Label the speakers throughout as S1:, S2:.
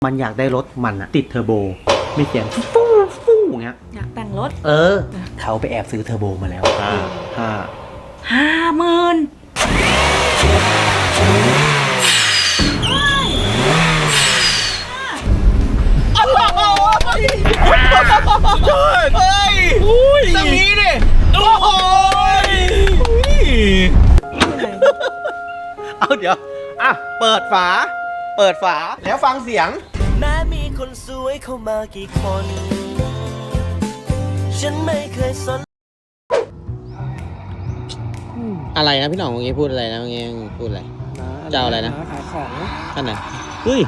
S1: มันอยากได้รถมันอะติดเทอร์โบมีเสียงฟู่ฟู่อย่างเงี้ย
S2: อยากแต่งรถ
S1: เขาไปแอบซื้อเทอร์โบมาแล้ว
S2: 50,000
S1: เฮ้ยตรงนี้ดิโอ้โหเอาเดี๋ยวเปิดฝาแล้วฟังเสียง
S3: แม้มีคนสวยเข้ามากี่คนฉันไม่เคยสน
S4: อะไรนะพี่หน่องเมื่อกี้พูดอะไรนะเมื่อกี้พูดอะไรเจ้าอะไรนะ
S5: ขายของ
S4: นั่นน่ะเฮ้ย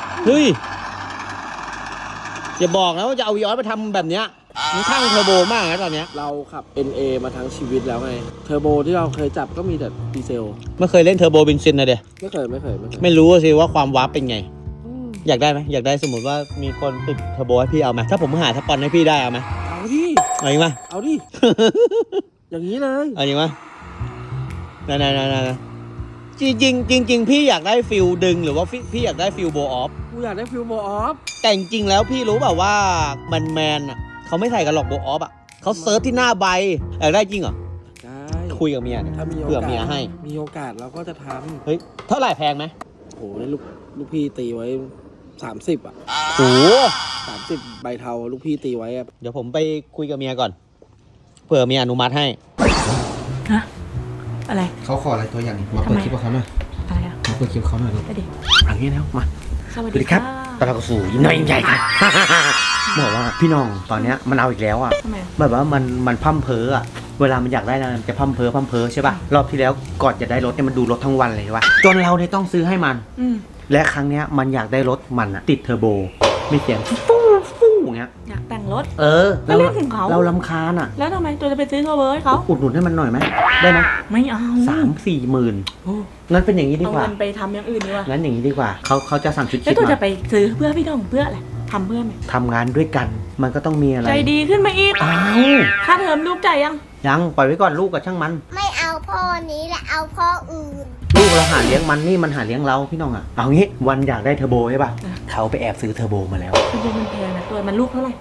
S4: อย่าบอกนะว่าจะเอาย้อนมาทำแบบเนี้ยมันข้างเทอร์โบมากนะตอนเนี้ย
S5: เราขับ NA มาทั้งชีวิตแล้วไงเทอร์โบที่เราเคยจับก็มีแต่ดีเซล
S4: ไม่เคยเล่นเทอร์โบเบนซินนะเดี๋ย
S5: ไม่เคย
S4: ไม่รู้สิว่าความวาร์ปเป็นไงอยากได้ไหมอยากได้สมมติว่ามีคนติดเทอร์โบให้พี่เอาไหมถ้าผมหาสปอนให้พี่ได้เอาไหม
S5: เอาดิ
S4: เอาจริงปะ
S5: เอาดิ อย่างนี้เลย
S4: เอาจริงปะนั่นจริงพี่อยากได้ฟิลดึงหรือว่าพี่อยากได้ฟิลโบออฟ
S5: กูอยากได้ฟิลโบออฟ
S4: แต่จริงแล้วพี่รู้เปล่าว่าแมนอ่ะเขาไม่ใส่กันหรอกโบออฟอ่ะเขาเซิร์ชที่หน้าใบอยากได้จริงเหรอ
S5: ได้
S4: คุยกับเมียเนี่ย
S5: ถ้ามี
S4: เผื่อเมียให้
S5: มีโอกาสเราก็จะท
S4: ำเฮ้ยเท่าไหร่แพงไหม
S5: โอ้โหลูกพี่ตีไว้30อ่ะ
S4: โอ้
S5: 30ใบเทาลูกพี่ตีไว้
S4: เดี๋ยวผมไปคุยกับเมียก่อนเผื่อเมียอนุมัติให้
S2: ฮะอะไร
S1: เขาขออะไรตัวอย่างมาเปิดคลิปเขาหน่อย
S2: อะไรอะ
S1: มาเปิดคลิปเขาหน่อยลูกอย่างนี้แล้วมา
S2: สวัสดีครับ
S1: ตอนเราสู่ยิ้มน้อยยิ้มใหญ่ครับบอกว่าพี่น้องตอนเนี้ยมันเอาอีกแล้วอ่ะแบบว่ามันพั่มเพ้ออ่ะเวลามันอยากได้นะมันจะพั่มเพ้อใช่ป่ะรอบที่แล้วก่อนจะได้รถเนี่ยมันดูรถทั้งวันเลยว่ะจนเราเนี่ยต้องซื้อให้มันและครั้งเนี้ยมันอยากได้รถมันอะติดเทอร์โบมีเสียงฟู่อย่างเงี้ย
S2: อยากแต่งรถ
S1: แล้วเรื่องของเขาเราลำคาญอะ
S2: แล้วทำไมตัวจะไปซื้อเทอร์โบให้เขา
S1: อุดหนุนให้มันหน่อยไหมได้ไหม
S2: ไม่เอา
S1: 3-4 หมื่นงั้นเป็นอย่างนี้ดีกว่า
S2: เอาเงินไปทำอย่างอื่นดีกว่า
S1: งั้นอย่างนี้ดีกว่าเขาจะสั่งชุดคิดมา
S2: แล้วตัวจะไปซื้อเพื่อพี่น้องเพื่ออะไรทำเพื่อไหม
S1: ทำงานด้วยกันมันก็ต้องมีอะไร
S2: ใจดีขึ้นมาอีกค่าเทอมลูกจ่าย
S1: ยังปล่อยไว้ก่อนลูกกับช่างมัน
S6: ไม่เอาพ่อนี้แหละเอาพ่ออื่น
S1: ลูกเราหาเลี้ยงมันนี่มันหาเลี้ยงเราพี่น้องอะเอางี้วันอยากได้เทอร์โบใช่ป่ะเขาไปแอบซื้อเทอร์โบมาแล้ว
S2: เทอร์โบมันแพงนะตัวมันลูกเท่าไหร่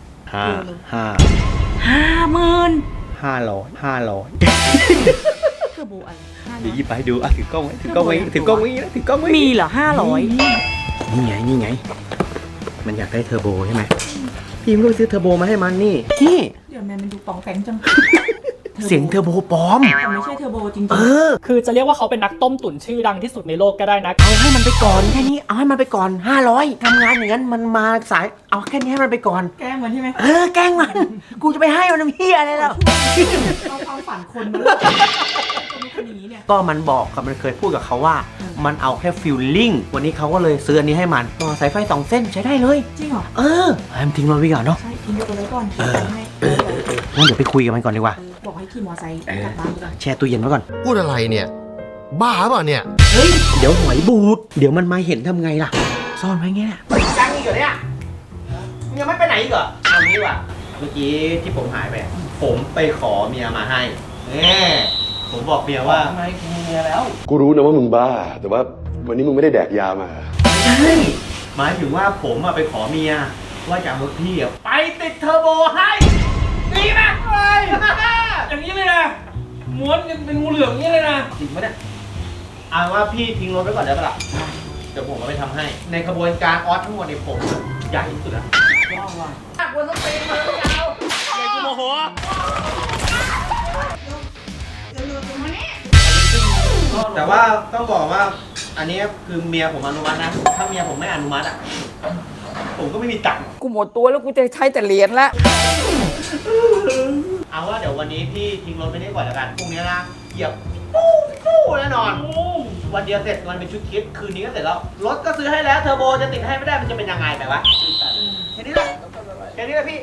S1: 50,000
S2: เทอร์โบอะไร
S1: เดี๋ยวหยิบไปดูถือกล้องไว้ถือกล้องไว้
S2: มีเหรอ500
S1: นี่ไงมันอยากได้เทอร์โบใช่ไหมพี่ไม่รู้ซื้อเทอร์โบมาให้มันนี่
S2: เดี๋ยวแม่มันดูปองแปงจัง
S1: เสียงเทอร์โบปลอม
S2: ไม่ใช่เทอร์โบจริง
S5: ๆคือจะเรียกว่าเขาเป็นนักต้มตุ๋นชื่อดังที่สุดในโลกก็ได้นะ
S1: เอาให้มันไปก่อนแค่นี้เอาให้มันไปก่อน500ทำงานอย่างนั้นมันมาสายเอาแค่นี้ให้มันไปก่อน
S2: แกล้งมันใช่ไหม
S1: แกล้งมันกูจะไปให้มันเหี้ยอะไรแล้ว
S2: เอาความฝันคนมา
S1: ก็มันบอกกับมันเคยพูดกับเขาว่ามันเอาแค่ฟิลลิ่งวันนี้เขาก็เลยซื้ออันนี้ให้มันต่อสายไฟ2 เส้นใช้ได้เลย
S2: จริงเหรอ
S1: ให้มันทิ้งมันไว้ก่อนเนาะ
S2: ใช่ทิ้งมันไว้ก่อน
S1: งั้นเดี๋ยวไปคุยกับมันก่อนดีกว่า
S2: บอกให้ขี่มอไซค์กลับบ้านก่อน
S1: แช่ตู้เย็นไว้ก่อน
S7: พูดอะไรเนี่ยบ้าเปล่าเนี่ย
S1: เฮ้ยเดี๋ยวหอยบูดเดี๋ยวมันมาเห็นทำไงล่ะซ่อนไว้ไงเนี่ยจังอีกเหรอเนี่ยยังไม่ไปไหนอีกเหรอเอางี้ว่ะเมื่อกี้ที่ผมหายไปผมไปขอเมียมาให้ผมบอกเมียว่า
S5: ทำไมกูมีเมียแล้ว
S7: กูรู้นะว่ามึงบ้าแต่ว่าวันนี้มึงไม่ได้แดกยามา
S1: ใช่หมายถึงว่าผมไปขอเมียว่าจะเอารถพี่ไปติดเทอร์โบให้ดีไหม
S5: อย่างนี้เลยนะม้วนกันเป็นงูเหลือมอย่างนี้เลยนะ
S1: จริงไหมเนี่ยเอาว่าพี่ทิ้งรถไว้ก่อนได้ปะล่ะเดี๋ยวผมเอาไปทำให้ในขบวนการออสทั้งหมดในผมใหญ่ที่สุดอะว้าวกวนต้องเป็นมือยาวใหญ่กูโมโหแต่ว่าต้องบอกว่าอันนี้คือเมียผมอนุมัตินะถ้าเมียผมไม่อนุมัติอ่ะผมก็ไม่มีตังค์
S5: กูหมดตัวแล้วกูจะใช้แต่เหรียญละ
S1: เอาว่าเดี๋ยววันนี้พี่ทิ้งรถไปได้ก่อนแล้วกันพรุ่งนี้นะเหยียบปู้แน่นอนวันเดียวเสร็จมันเป็นชุดคิดคืนนี้ก็เสร็จแล้วรถก็ซื้อให้แล้วเทอร์โบจะติดให้ไม่ได้มันจะเป็นยังไงแบบวะแค่นี้แหละพี่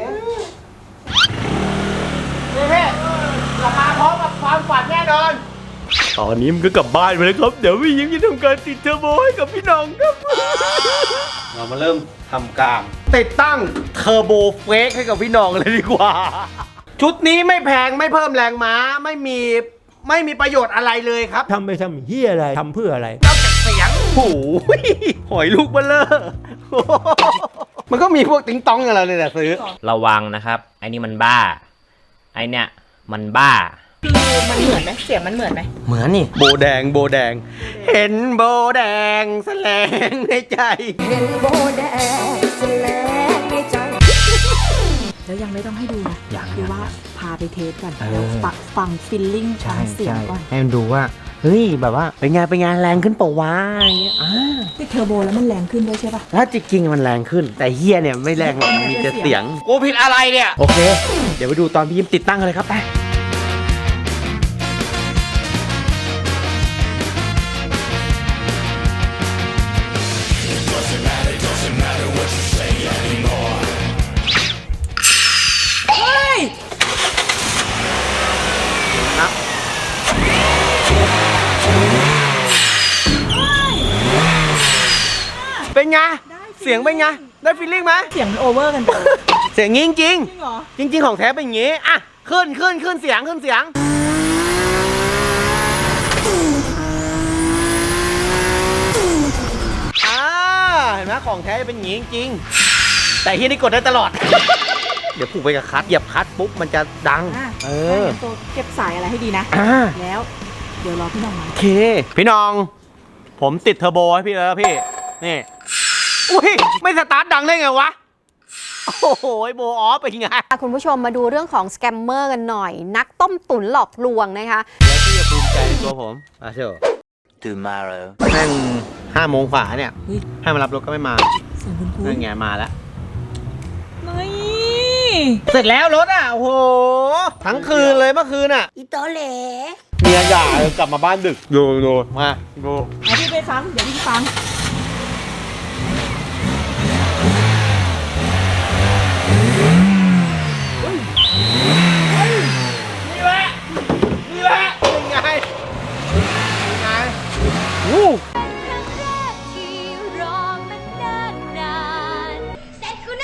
S1: กลับมาพร้อมกับความฝันแน่นอนตอนนี้มันก็กลับบ้านไปแล้วครับเดี๋ยวพี่ยิ้มจะทำการติดเทอร์โบให้กับพี่น้องครับเรามาเริ่มทำการติดตั้งเทอร์โบเฟกให้กับพี่น้องเลยดีกว่าชุดนี้ไม่แพงไม่เพิ่มแรงม้าไม่มีประโยชน์อะไรเลยครับ
S8: ทำไปทำเหี้ยอะไรทำเพื่ออะไร
S1: นอกจากเสียงหอยลูกเบลเลอร์มันก็มีพวกติ๊งต้องกับเราเลยแหละซื้อ
S8: ระวังนะครับ ไอ้นี่มันบ้า ไอ้เนี่ยมันบ้า
S2: คือมันเหมือนไหมเสียงมันเหมือนไหม
S1: เหมือนนี่โบแดงโบแดง เห็นโบแดงแสลงในใจ
S2: แล้วยังไม่ต้องให้ดูนะ
S1: ยัง
S2: คือว่าพาไปเทสก่อน
S1: เออ
S2: แล้วฟังฟิลลิ่งฟังเสียงก่อน
S1: ให้มันดูว่าเฮ้ยแบบว่าเป็นไงแรงขึ้นเปล่าวะอย่างเงี้ย
S2: ติดเทอร์โบแล้วมันแรงขึ้นด้วยใช่ปะ
S1: ถ้าจริงๆมันแรงขึ้น แต่เฮียเนี่ยไม่แรงหรอกมีแต่เสียงกูผิดอะไรเนี่ยโอเค เดี๋ยวไปดูตอนพี่ยิ้มติดตั้งกันเลยครับไปเป็นไงเสียงเป็นไงได้ฟีลลิ่งไหม
S2: เสียงมันโอเวอร์กันไป
S1: เสียงงี้จริง
S2: จริงเหรอ
S1: จริง ๆของแท้เป็นอย่างงี้อ่ะขึ้นเสียงเห็นไหมของแท้จะเป็นอย่างงี้จริงๆแต่ที่นี่กดได้ตลอด เดี๋ยวผูกไปกับคัทเหยียบคัทปุ๊บมันจะดัง
S2: ตัวเก็บสายอะไรให้ดีนะ แล้วเดี๋ยวรอพี่น้องมา
S1: โอเคพี่น้อง ผมติดเทอร์โบให้พี่แล้วพี่นี่อุ้ยไม่สตาร์ทดังได้ไงวะโอ้โหโบออฟเป็นไง
S9: คุณผู้ชมมาดูเรื่องของสแกมเมอร์กันหน่อย นักต้มตุ๋นหลอกลวงนะคะ
S1: แล้วพี่จะภูมิใจในตัวผมเชียว
S3: tomorrow
S1: แม่ง5 โมงฝ่าเนี่ยให้มารับรถก็ไม่มา
S2: เสียงคุณครู
S1: นั่นไงมาแล้ว
S2: นี่
S1: เสร็จแล้วรถอ่ะโอ้โหทั้งคืนเลยเมื่อคืนอ่ะ
S6: อีโตเหล
S1: เมียหย่ากลับมาบ้านดึกดูมาดู
S2: เอาพี่ไปฟังเดี๋ยวพี่ฟัง
S1: นี่แหละเป็นไงวู้
S6: เสร็จกูแน่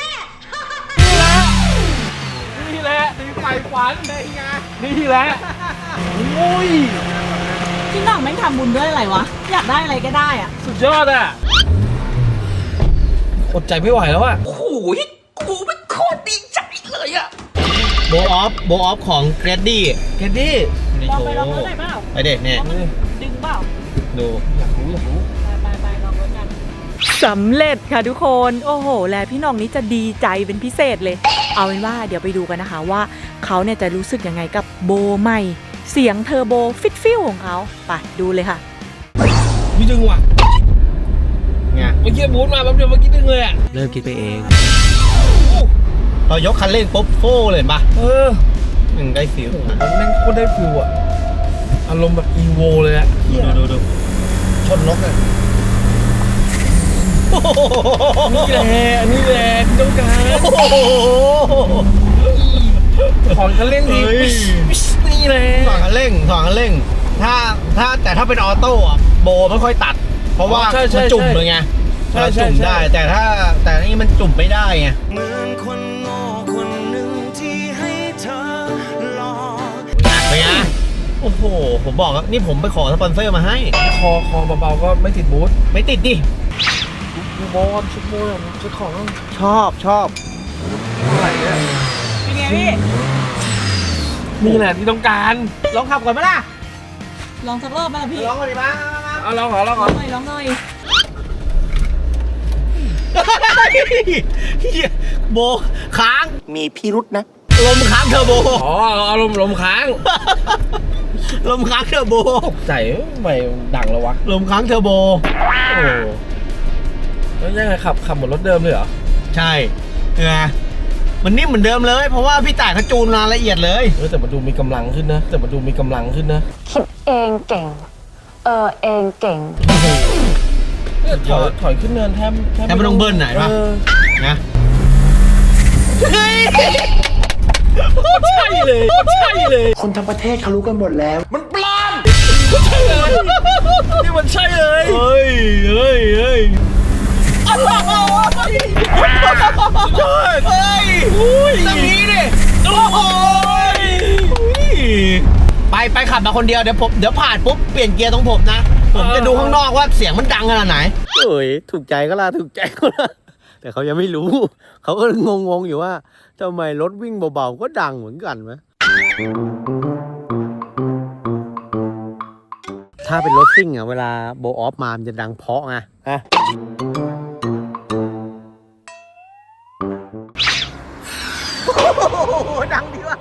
S5: นี่แหละตีไฟฝันนี่แหละโอ้ย
S2: พี่น้องแม่งทำบุญด้วยอะไรวะ อยากได้อะไรก็ได้อะ
S5: สุดยอดอ่ะอดใจไม่ไหวแล้วอ่ะ
S1: โบออฟของเกรดดี้
S2: ลองไปลองรถหน่อยเปล่า
S1: ไปเด็กเนี่ย
S2: ดึงเปล่า
S1: ดู
S2: ไปลองรถกันสำเร็จค่ะทุกคน โอ้โห แล้วพี่น้องนี้จะดีใจเป็นพิเศษเลย เอาเป็นว่าเดี๋ยวไปดูกันนะคะว่าเขาเนี่ยจะรู้สึกยังไงกับโบใหม่ เสียงเทอร์โบฟิลของเขาไปดูเลยค่ะ
S5: พี่ดึงว่ะ
S1: ไง
S5: เมื่อกี้บูทมาแป๊บเดียวเมื่อกี้ดึงเลยอ่ะ
S1: เริ่มคิดไปเองพอยกคันเร่งปุ๊บโฟ่เลยปะ
S5: เออ
S1: มันได้ฟิล
S5: มันแม่งโคตรได้ฟิลอ่ะ อารมณ์แบบอีโวเลยอ่ะ
S1: ดูชนนกเลย
S5: นี่แหละที่ต้องการของคันเร่งดีนี่แหละ
S1: สองคันเร่งถ้าเป็นออโต้อะโบไม่ค่อยตัด เพราะว่ามันจุ่มเลยไงเราจุ่มได้แต่นี่มันจุ่มไม่ได้ไง
S3: เหมือนคนโง่คนหนึ่งที่ให้เธอหลอก
S1: เป็นไงโอ้โหผมบอกแล้วนี่ผมไปขอสปอนเซอร์มาให้
S5: คอเบาๆก็ไม่ติดบูท
S1: ไม่ติดดิ
S5: ดูบอลชุดโบนชุดของ
S1: ชอบ
S5: อะไรเนี่ย
S2: เป็นไงพี่
S5: นี่แหละที่ต้องการ
S1: ลองขับก่อนไหมล่ะ
S2: ลองสักรอบไหมล่ะพี่
S1: ลองก่อนดิมา
S5: เอาลองขอ
S2: ลองหน่อย
S1: เฮียโบค้าง
S3: มีพิรุษนะ
S1: ลมค้างเทอร์โบ
S5: อ๋อเอาลมค้าง
S1: ลมค้างเทอร์โบ
S5: ตกใจไม่ดังแล้ววะ
S1: ลมค้างเทอร์โบ
S5: โอ้แล้วยังไงขับเหมือนรถเดิมเลยเหรอ
S1: ใช่ไงมันนิ่มเหมือนเดิมเลย เพราะว่าพี่ต่ายเขาจูนมาละเอียดเลย
S5: แต่มันดูมีกำลังขึ้นนะ
S9: คิดเองเก่ง เองเก่ง
S5: ถอยขึ้นเนินแทบ
S1: แทบไม่ต้องเบิ้ลไหนปะนะเฮ้ย
S5: ใช่เลย
S3: คนทั้งประเทศเขารู้กันหมดแล้ว
S5: นี่มันใช่เลย
S1: เฮ้ยตั้งนี้ดิโอ้โหไปขับมาคนเดียวเดี๋ยวผ่านปุ๊บเปลี่ยนเกียร์ตรงผมนะ
S4: ผมจะดูข้างนอกว่าเสียงมันดังขนาดไหนเอ้ยถูกใจก็ล่ะถูกใจก็ล่ะแต่เขายังไม่รู้ เขาก็งงๆอยู่ว่าทำไมรถวิ่งเบาๆก็ดังเหมือนกันไหมถ้าเป็นรถซิ่งอะเวลาโบออฟมามันจะดังเพราะไงฮะดังดีว่ะ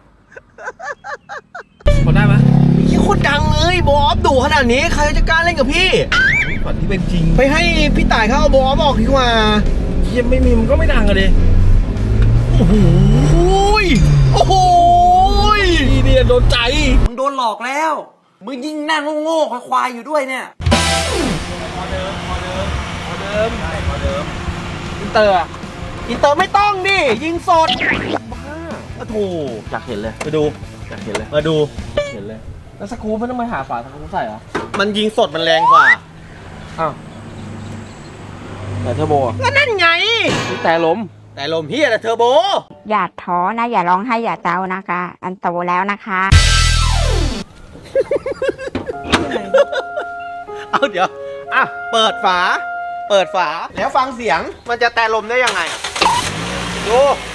S5: พอได้ไหม
S4: ยี่โคตรดังเลยโบออฟดุขนาดนี้ใครจะกล้าเล่นกับพี่
S5: ฝันที่เป็นจริง
S4: ไปให้พี่ต่ายเขาเอาโบออฟออกดีกว่า
S5: ยังไม่มีมันก็ไม่ดังอะดิ
S4: โอ้โหโอ้โห
S5: นี่เนี่ยโดนใจ
S1: มึงโดนหลอกแล้ว มึงยิ่งนั่งโง่ๆควายๆอยู่ด้วยเนี่ย
S5: อินเตอร์อะ
S4: อินเตอร์ไม่ต้องดิยิงสดบ้าโอ้โห
S5: อยากเห็นเลย
S4: มาดู
S5: อยากเห็นเลย
S4: มาดู
S5: เห็นเลย แล้วสกรูไม่ต้องมาหาฝาสกรูใส่เหรอ
S4: มันยิงสดมันแรงกว่า
S5: อ้าวแต่เทอร์โบอะ
S4: ก็นั่นไง
S5: นี่แต่ล้ม
S4: แต่ลมเฮียแต่เทอร์โบ
S10: อย่าท้อนะ อย่าร้องไห้อย่าเจ้านะคะ อันโตแล้วนะคะ
S4: เอาเดี๋ยวอ่ะเปิดฝา แล้วฟังเสียงมันจะแต่ลมได้ยังไงดู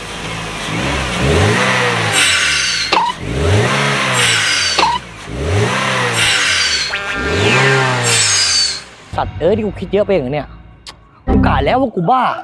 S8: สัตว์ที่กูคิดเยอะไปอย่างเนี้ยกูกะแล้วว่ากูบ้า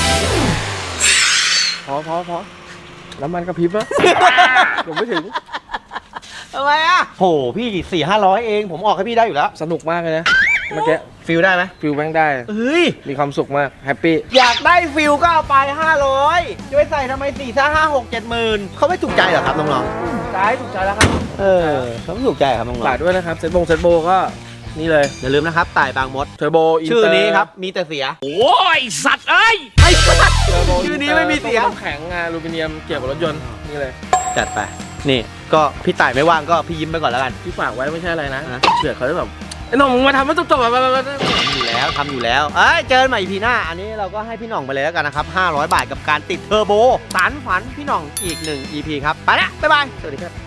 S5: พอแล้วมันกระพริบอะ ผมไม่ถึง
S4: ทำไมอ่ะโหพี่400-500เองผมออกให้พี่ได้อยู่แล้ว
S5: สนุกมากเลยนะ เมื่อกี้
S4: ฟิลได้ไหม
S5: ฟิลแม่งได้
S4: เฮ้ย
S5: มีความสุขมาก แฮปปี้
S4: อยากได้ฟิลก็เอาไป500จะไปใส่ทำไม4 5 5 6 7หมื่นเขาไม่ถูกใจเหรอครับน้อง
S5: ถูกใจแล้วครับ
S4: ๆเขาไม่ถูกใจครับน้อง
S5: ฝากด้วยนะครับเซ็ตโบก็นี่เลย
S4: ๆอย่าลืมนะครับต่ายบางมด
S5: เทอร์โบอินเตอร์
S4: ชื่อนี้ครับมีแต่เสีย
S5: โอ้ยสัตว์เอ้ย
S4: ไอ้สัส
S5: เทอร์โบ
S4: ชื่อนี้ไม่มีเสียง
S5: น้ำแข็งอลูมิเนียมเกี่ยวกับรถยนต์นี่เลย
S4: จัดไปนี่ก็พี่ต่ายไม่ว่างก็พี่ยิ้มไปก่อนแล้วกัน
S5: ที่ฝากไว้ไม่ใช่อะไรนะ
S4: ฮะ
S5: เผื่อเขาจะแบบไอ้หน้องมึงมาทำให้จบๆแบบ
S4: ทำอยู่แล้วเอ้ยเจอกันใหม่ EP หน้าอันนี้เราก็ให้พี่หน่องไปเลยแล้วกันนะครับ500 บาทกับการติดเทอร์โบสารฝันพี่หน่องอีก1 EP ครับไปละบ๊ายบายสวัสดีครับ